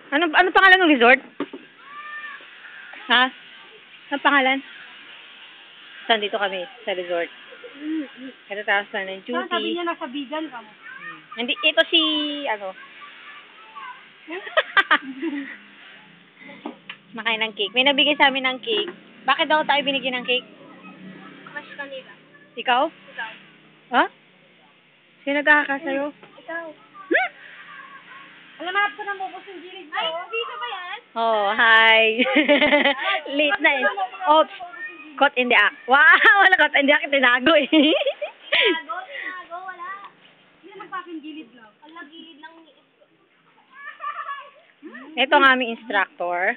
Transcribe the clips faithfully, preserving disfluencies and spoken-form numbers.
Ano, ano pangalan ng resort? Ha? Ano pangalan? Saan dito kami? Sa resort. Ito taas na ng duty. Sabi niya nasa vegan ka mo. Hmm. Hindi, ito si, ano, makain ng cake. May nabigay sa amin ng cake. Bakit daw tayo binigyan ng cake? Crush kanila. Ikaw? Ikaw. Ha? Sino nagkakasayo? Ikaw. Hmm? Alam mo, ko na mabos yung gilid mo. Ay, dito ba yan? Oh, hi. Late na eh. Oops. Caught in the act. Wow, wala caught in the act. Tinago eh. Tinago, tinago, wala. Hindi naman sa akin gilid lang. Ala, gilid lang. Ito ang aming instructor.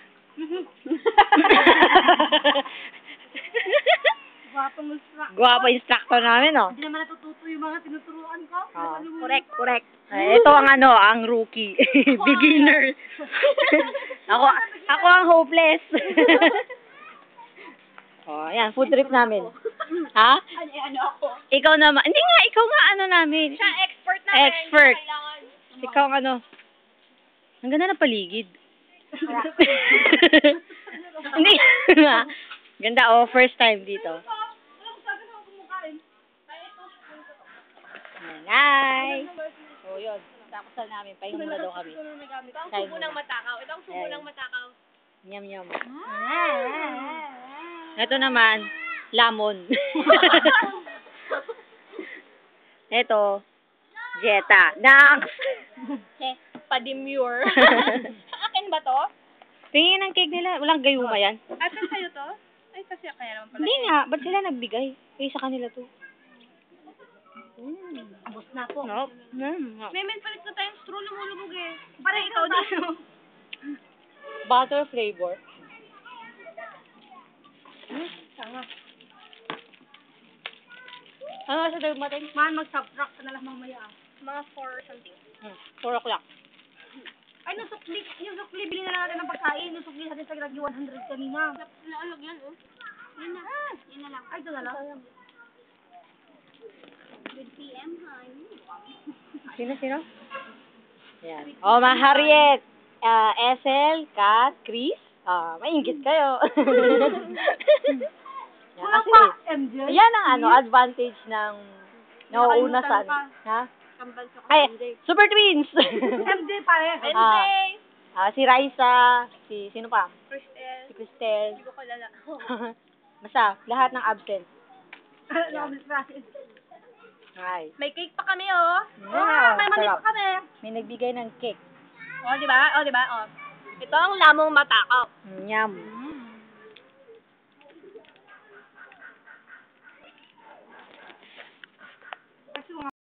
Guwapo mo sa... Guwapo instructor namin, oh. Hindi naman natututo yung mga tinuturuan ko. Oh, correct, correct. Uh, ito ang ano, ang rookie. Beginner. ako, ako ang hopeless. Oh, ayan, food trip namin. Ha? Ano, ano ako? Ikaw naman. Hindi nga, ikaw nga ano namin. Siya expert na. Expert. Kailangan. Ikaw ang ano. Ang ganda ng paligid. Hindi nga. Ganda, oh, first time dito. Hi! Oh, yun. Takusal namin. Pahinga muna daw kami. Ito ang subo ng matakaw. Ito ang subo ng matakaw. Nyam, nyam. Ito naman, lamon. Ito, Jetta. Next! Pa-demure. Akin ba to? Tingin ng cake nila. Walang gayuma yan. Akin sa'yo to? Ay, kasi kaya naman pala. Hindi nga. Ba't sila nagbigay? Eh, sa kanila to. Mm. Abos na po. Nope. Mm. May men palit na tayong straw, lumulubog eh. Parang ikaw din. Butter flavor. Hmm, tanga. Ano sa dagdag natin? Man, mag-subtract ka na lang mamaya ah. Mga four something. Hmm. four o'clock. Ay, nung sukli, yung sukli, bilhin na lang natin ng pagkain. Yung sukli natin sa gragi one hundred kanina. Naalog yan, oh. Yun na. Ah, yun na lang. Ay, ito na lang. Good P M, honey. Sino, sino? Yan. Oh, ma Harriet. Uh, S L, Kat, Chris. Ah, maingit kayo. Yan, Wala kasi, pa, M J. yan ang ano, advantage ng nauuna sa ano. Ha? Kambal sa Ay, Super Twins! M J pare. M J. Ah, ah, si Raisa, si, sino pa? Cristel. Si Cristel. Hindi ko kalala. Basta, lahat ng absent. Ano ba Hi. May cake pa kami, oh. Yeah, Ah, may mani sarap. pa kami. May nagbigay ng cake. Oh, di ba? Oh, di ba? Oh. Ito ang lamong matakaw. Yum.